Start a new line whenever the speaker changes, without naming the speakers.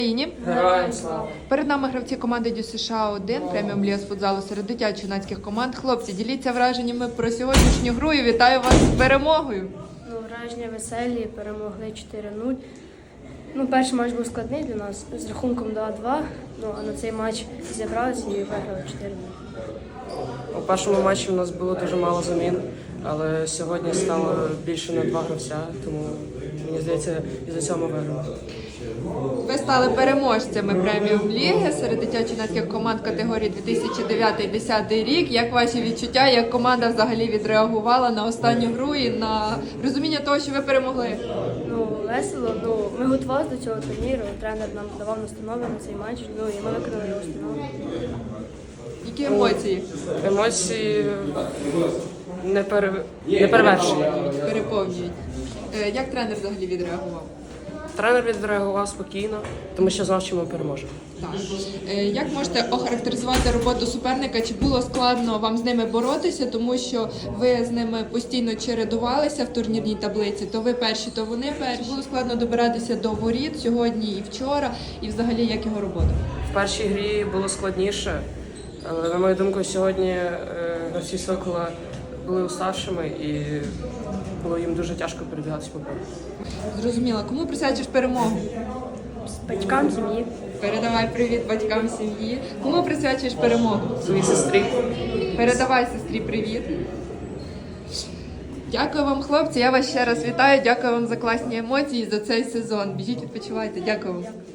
Героям слава!
Перед нами гравці команди Дю США 1 преміум ліга з футзалу серед дитячо-юнацьких команд. Хлопці, діліться враженнями про сьогоднішню гру і вітаю вас з перемогою.
Враження веселі, перемогли 4-0. Перший матч був складний для нас з рахунком 2-2, а на цей матч зібралися і виграли 4-0.
У першому матчі у нас було дуже мало замін, але сьогодні стало більше на 2 гравця, тому мені здається, із-за цього ми виграли.
Ви стали переможцями преміум ліги серед дитячо-юнацьких команд категорії 2009-2010 рік. Як ваші відчуття, як команда взагалі відреагувала на останню гру і на розуміння того, що ви перемогли?
Весело. Ми готувалися до цього турніру, тренер нам давав настанови на цей матч, і ми виконали його установи.
Які емоції?
Емоції неперевершені.
Переповнюють. Як тренер взагалі відреагував?
Тренер відреагував спокійно, тому що знав, що ми переможемо.
Так. Як можете охарактеризувати роботу суперника? Чи було складно вам з ними боротися, тому що ви з ними постійно чередувалися в турнірній таблиці? То ви перші, то вони перші. Було складно добиратися до воріт сьогодні і вчора, і взагалі як його робота?
В першій грі було складніше, але, на мою думку, сьогодні гравці Сокола були уставшими і було їм дуже тяжко перебігатися по полю.
Зрозуміла. Кому присвячиш перемогу?
Батькам, сім'ї.
Передавай привіт батькам сім'ї. Кому присвячуєш перемогу?
Своїй сестрі.
Передавай сестрі привіт. Дякую вам, хлопці. Я вас ще раз вітаю. Дякую вам за класні емоції за цей сезон. Біжіть, відпочивайте. Дякую вам.